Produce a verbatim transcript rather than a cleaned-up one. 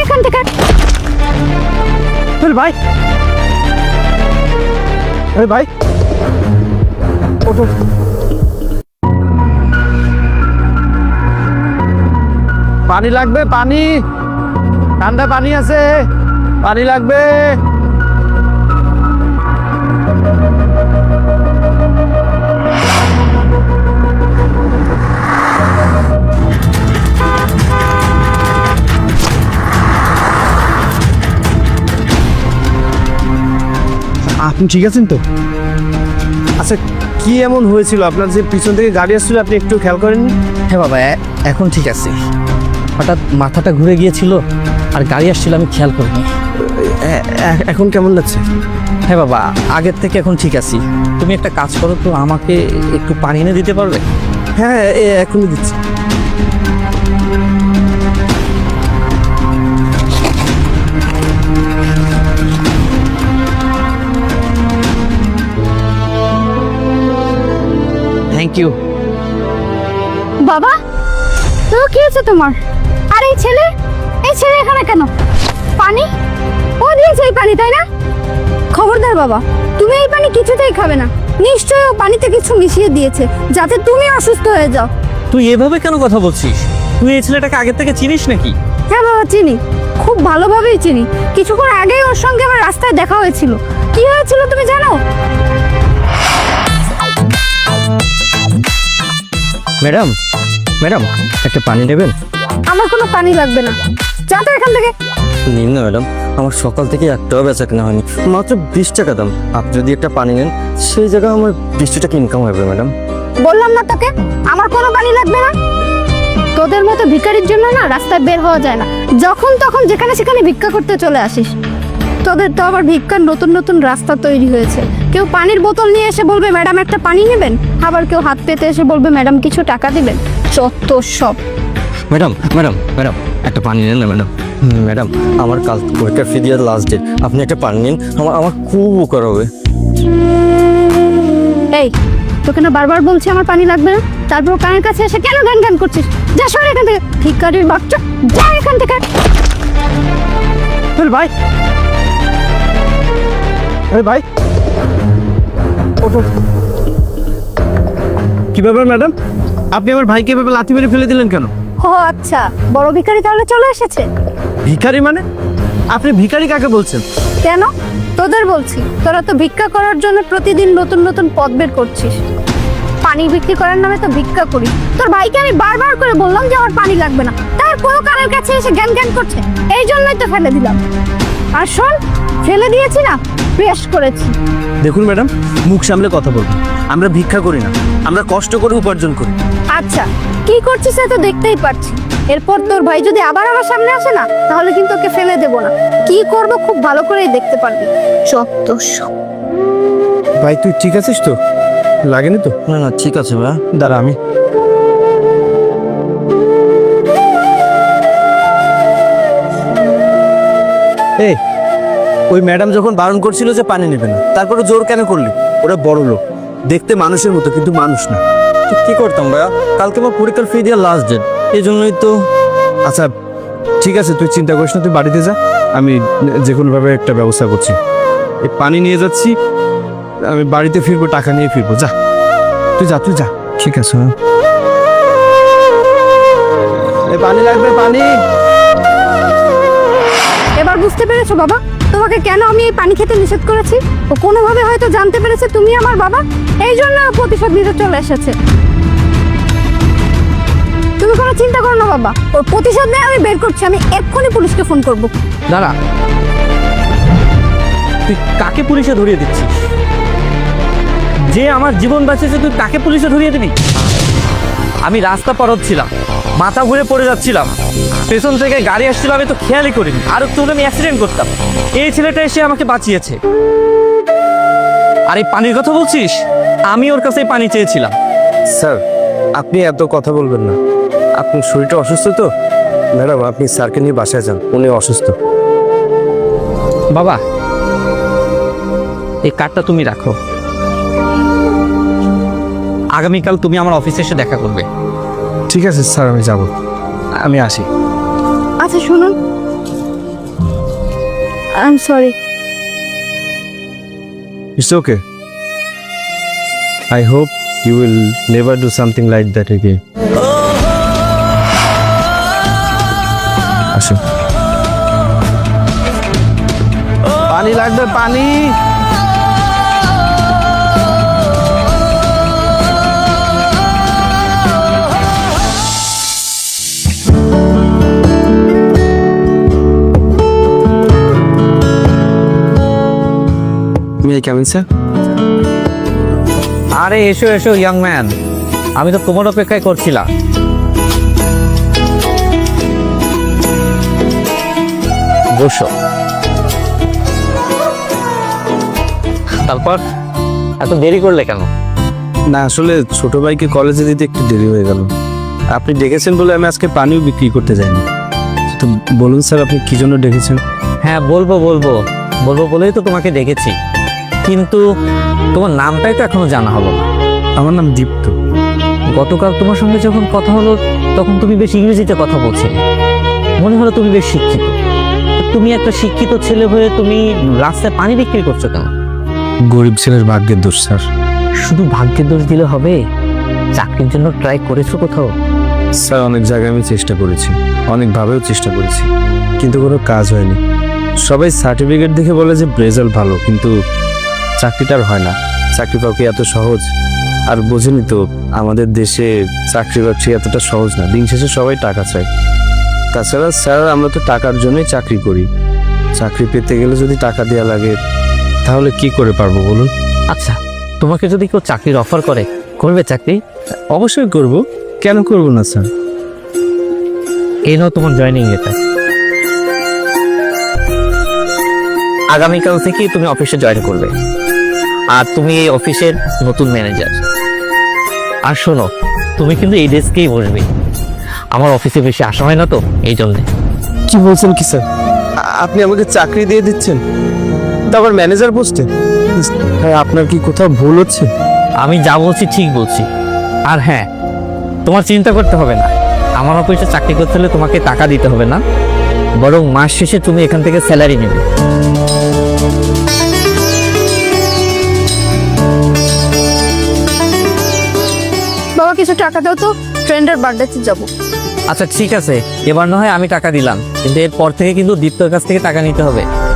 এখান থেকে। ভাই আরে ভাই ওঠো। পানি লাগবে, পানি, ঠান্ডা পানি আছে, পানি লাগবে। আপনি ঠিক আছেন তো? আচ্ছা, কি এমন হয়েছিল আপনার যে পিছন থেকে গাড়ি আসছিল, আপনি একটু খেয়াল করেননি? হ্যাঁ বাবা, এ- এখন ঠিক আছে। হঠাৎ মাথাটা ঘুরে গিয়েছিল আর গাড়ি আসছিল, আমি খেয়াল করিনি। এ- এ- এখন কেমন লাগছে? হ্যাঁ বাবা, আগের থেকে এখন ঠিক আছি। তুমি একটা কাজ করো তো, আমাকে একটু পানি এনে দিতে পারবে? হ্যাঁ, এ- এখনই দিচ্ছি। Thank you. বাবা, তো কি হয়েছে তোমার? আর এই ছেলে, এই ছেলে এখানে কেন? পানি ও দিয়েছে এই পানি, তাই না? খবরদার বাবা, তুমি এই পানি কিছুতেই খাবে না। নিশ্চয়ই ও পানিতে কিছু মিশিয়ে দিয়েছে যাতে তুমি অসুস্থ হয়ে যাও। তুই এভাবে কেন কথা বলছিস? তুই এই ছেলেটাকে আগের থেকে চিনিস নাকি? হ্যাঁ বাবা, চিনি, খুব ভালোভাবেই চিনি। কিছুক্ষণ আগেই ওর সঙ্গে আমার রাস্তায় দেখা হয়েছিল। কি হয়েছিল তুমি জানো? ম্যাডাম, ম্যাডাম একটা পানি নেবেন? আমার কোনো পানি লাগবে না, যা তো এখান থেকে। নিন না ম্যাডাম, আমার সকাল থেকে একটাও বেচা কেনা হয়নি, মাত্র বিশ টাকা দাম। আপনি যদি একটা পানি নেন, সেই জায়গায় আমার বিশ টাকা ইনকাম হবে ম্যাডাম। বললাম না তোকে, আমার কোনো পানি লাগবে না। তোদের মতো ভিখারির জন্য না রাস্তায় বের হওয়া যায় না। যখন তখন যেখানে সেখানে ভিক্ষা করতে চলে আসিস। তোদের তো আবার ভিক্ষার নতুন নতুন রাস্তা তৈরি হয়েছে। কেউ পানির বোতল নিয়ে এসে বলবে ম্যাডাম একটা পানি নেবেন, আবার কেউ হাত পেতে এসে বলবে ম্যাডাম কিছু টাকা দিবেন। যত সব। ম্যাডাম, ম্যাডাম, ম্যাডাম একটা পানি নেন না ম্যাডাম। ম্যাডাম, আমার কাল পরীক্ষার ফি দেওয়ার লাস্ট ডেট, আপনি একটা পানি নিন, আমার আমার খুব উপকার হবে। এই, তোকে না বারবার বলছি আমার পানি লাগবে না, তারপর কানের কাছে এসে কেন গান গান করছিস? যা সর এখান থেকে, ভিখারির বাচ্চা, যা এখান থেকে। আরে ভাই আরে ভাই ওঠো। কি ব্যাপার ম্যাডাম, আপনি আমার ভাইকে এভাবে লাথি মেরে ফেলে দিলেন কেন? ও আচ্ছা, বড় ভিখারি তাহলে চলে এসেছে। ভিখারি মানে? আপনি ভিখারি কাকে বলছেন? কেন? তোদের বলছি, তোরা তো ভিক্ষা করার জন্য প্রতিদিন নতুন নতুন পথ বের করছিস। পানি বিক্রি করার নামে তো ভিক্ষা করি। তোর ভাইকে আমি বারবার করে বললাম যে আমার পানি লাগবে না, তারপরও কানের কাছে এসে জ্ঞান জ্ঞান করছে। এই জন্যই তো ফেলে দিলাম। আর শোন, ফেলে দিয়েছি না, বেশ করেছি। দেখুন ম্যাডাম, মুখ সামলে কথা বলুন। আমরা ভিক্ষা করি না, আমরা কষ্ট করে উপার্জন করি। আচ্ছা, কি করছিস সে তো দেখতেই পাচ্ছি। এরপর তোর ভাই যদি আবার আমার সামনে আসে না, তাহলে কিন্তু ওকে ফেলে দেবো না। কি করবো খুব ভালো করেই দেখতে পারবি। সত্য সব। ভাই তুই ঠিক আছিস তো? লাগেনি তো? না না, ঠিক আছে ভাই। দাঁড়া, আমি এই ওই ম্যাডাম যখন বারণ করছিল যে পানি নেবে না, তারপরে জোর কেন করলি? ওরা বড় লোক, দেখতে মানুষের মতো কিন্তু মানুষ না। তো কি করতাম ভাইয়া, কালকে আমার পরীক্ষার ফি দেওয়ার লাস্ট ডেট, এই জন্যই তো। আচ্ছা ঠিক আছে, তুই চিন্তা করিস না, তুই বাড়িতে যা, আমি যে কোনোভাবে একটা ব্যবস্থা করছি। এই পানি নিয়ে যাচ্ছি, আমি বাড়িতে ফিরবো, টাকা নিয়ে ফিরবো। যা তুই যা, তুই যা। ঠিক আছে, হ্যাঁ। এই পানি লাগবে, পানি। এবার বুঝতে পেরেছো বাবা, তোমাকে কেন আমি এই পানি খেতে নিষেধ করেছি? ও কোনোভাবে হয়তো জানতে পেরেছে তুমি আমার বাবা, এই জন্য ও প্রতিশোধ নিতে চলে এসেছে। তুমি কোনো চিন্তা করো না বাবা, ওর প্রতিশোধ নিয়ে আমি বের করছি। আমি এক্ষুনি পুলিশকে ফোন করব। দাঁড়া, তুই কাকে পুলিশে ধরিয়ে দিচ্ছিস? যে আমার জীবন বাঁচিয়েছে তুই তাকে পুলিশে ধরিয়ে দিবি? আমি রাস্তা পার হচ্ছিলাম, মাথা ঘুরে পড়ে যাচ্ছিলাম, পেছন থেকে গাড়ি আসছিল, আমি তো খেয়ালই করিনি, আর একটু হলে আমি অ্যাক্সিডেন্ট করতাম। এই ছেলেটা এসে আমাকে বাঁচিয়েছে। আর এই পানির কথা বলছিস, আমি ওর কাছে পানি চেয়েছিলাম। স্যার, আপনি এত কথা বলবেন না। আপনার শরীরটা অসুস্থ তো ম্যাডাম, আপনি স্যারকে নিয়ে বাসায় যান, উনি অসুস্থ। বাবা, এই কার্ডটা তুমি রাখো, আগামীকাল তুমি আমার অফিসে এসে দেখা করবে। ঠিক আছে স্যার, আমি যাব, আমি আসি। আচ্ছা শুনুন, I am sorry. It's okay. I hope you will never do something like that again. আসো। পানি লাগবে, পানি। May I come in, sir? আরে এসো এসো ইয়াং ম্যান, আমি তো তোমার অপেক্ষায় করছিলাম। বসো। তারপর এত দেরি করলে কেন? না আসলে ছোট ভাইকে কলেজে দিতে একটু দেরি হয়ে গেল। আপনি ডেকেছেন বলে আমি আজকে পানিও বিক্রি করতে যাইনি। তো বলুন স্যার, আপনি কি জন্য ডেকেছেন? হ্যাঁ বলবো বলবো বলবো বলেই তো তোমাকে ডেকেছি, কিন্তু তোমার নামটাই তো এখনো জানা হলো না। আমার নাম দীপ্ত। গতকাল তোমার সঙ্গে যখন কথা হলো তখন তুমি বেশ ইংরেজিতে কথা বলছিলে, মনে হলো তুমি বেশ শিক্ষিত। তুমি একটা শিক্ষিত ছেলে হয়ে তুমি রাস্তায় পানি বিক্রি করছো কেন? গরিব ছেলের ভাগ্যের দোষ স্যার। শুধু ভাগ্যের দোষ দিলে হবে? চাকরির জন্য ট্রাই করেছো কোথাও? স্যার অনেক জায়গায় আমি চেষ্টা করেছি, অনেকভাবেও চেষ্টা করেছি, কিন্তু কোনো কাজ হয়নি। সবাই সার্টিফিকেট দেখে বলে যে রেজাল্ট ভালো, কিন্তু চাকরিটা আর হয় না। চাকরি পাওয়া কি এত সহজ? আর বোঝেনি তো আমাদের দেশে চাকরি বাকরি এতটা সহজ না, দিন শেষে সবাই টাকা চায়। তাছাড়া স্যার আমরা তো টাকার জন্যই চাকরি করি, চাকরি পেতে গেলে যদি টাকা দেওয়া লাগে তাহলে কি করে পারবো বলুন? আচ্ছা, তোমাকে যদি কেউ চাকরির অফার করে, করবে চাকরি? অবশ্যই করব, কেন করব না স্যার। এই নাও তোমার জয়েনিং লেটার। আগামীকাল থেকে তুমি অফিসে জয়েন করবে, আর তুমি এই অফিসের নতুন ম্যানেজার। আর শোনো, তুমি কিন্তু এই ডেস্কেই বসবে, আমার অফিসে বেশি আসা হয় না তো, এই জন্যে। কি বলছেন কি স্যার? আপনি আমাকে চাকরি দিয়ে দিচ্ছেন, তারপর ম্যানেজার পোস্টে? হ্যাঁ, আপনার কি কোথাও ভুল হচ্ছে? আমি যা বলছি ঠিক বলছি। আর হ্যাঁ, তোমার চিন্তা করতে হবে না, আমার অফিসে চাকরি করতে হলে তোমাকে টাকা দিতে হবে না, বরং মাস শেষে তুমি এখান থেকে স্যালারি নেবে। বাবা কিছু টাকা দাও তো, ফ্রেন্ডের বার্থডেতে যাবো। আচ্ছা ঠিক আছে, এবার না হয় আমি টাকা দিলাম, কিন্তু এরপর থেকে কিন্তু দীপ্তর কাছ থেকে টাকা নিতে হবে।